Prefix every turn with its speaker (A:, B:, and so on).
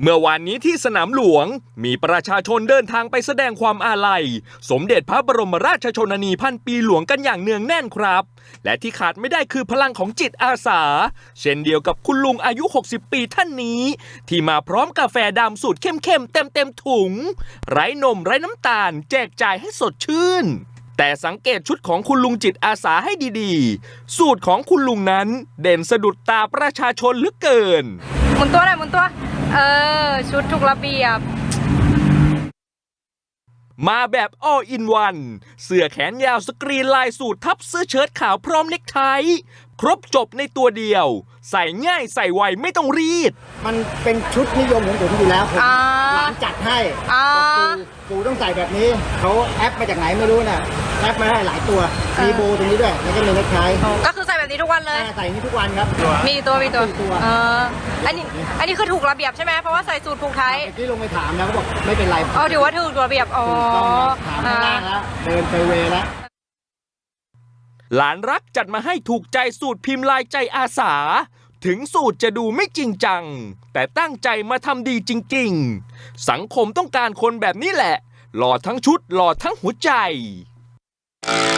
A: เมื่อวานนี้ที่สนามหลวงมีประชาชนเดินทางไปแสดงความอาลัยสมเด็จพระบรมราชชนนีพันปีหลวงกันอย่างเนืองแน่นครับและที่ขาดไม่ได้คือพลังของจิตอาสาเช่นเดียวกับคุณลุงอายุ60 ปีท่านนี้ที่มาพร้อมกาแฟดำสูตรเข้มๆเต็มถุงไร้นมไร้น้ำตาลแจกจ่ายให้สดชื่นแต่สังเกตชุดของคุณลุงจิตอาสาให้ดีๆสูตรของคุณลุงนั้นเด่นสะดุดตาประชาชนเหลือเกิน
B: หมุนตัวหน่อยหมุนตัวชุดถูกระเบียบ
A: มาแบบ all in one เสื้อแขนยาวสกรีนลายสูททับเสื้อเชิ้ตขาวพร้อมเน็กไทครบจบในตัวเดียวใส่ง่ายใส่ไวไม่ต้องรีด
C: มันเป็นชุดนิยมของผมอยู่แล้วผมหลานจัดให้ปู่ต้องใส่แบบนี้เขาแอปมาจากไหนไม่รู้น่ะแอปมาให้หลายตัวมีโบตรงนี้ด้วยแล้วก็มีเน็กไท
B: ก็คือใส่แบบนี้ทุกวันเลย
C: ใส่นี้ทุกวันครับ
B: มีตัวอันนี้คือถูกระเบียบใช่ไหมเพราะว่าใส่สูทผูกไท
C: ที่ลงไปถามนะเขาบอกไม่เป็นไร
B: ถือว่าถูกระเบียบ
C: ถามข้างล่างแล้วเดินไปเวแล้ว
A: หลานรักจัดมาให้ถูกใจสูตรพิมพ์ลายใจอาสาถึงสูตรจะดูไม่จริงจังแต่ตั้งใจมาทำดีจริงๆสังคมต้องการคนแบบนี้แหละหล่อทั้งชุดหล่อทั้งหัวใจ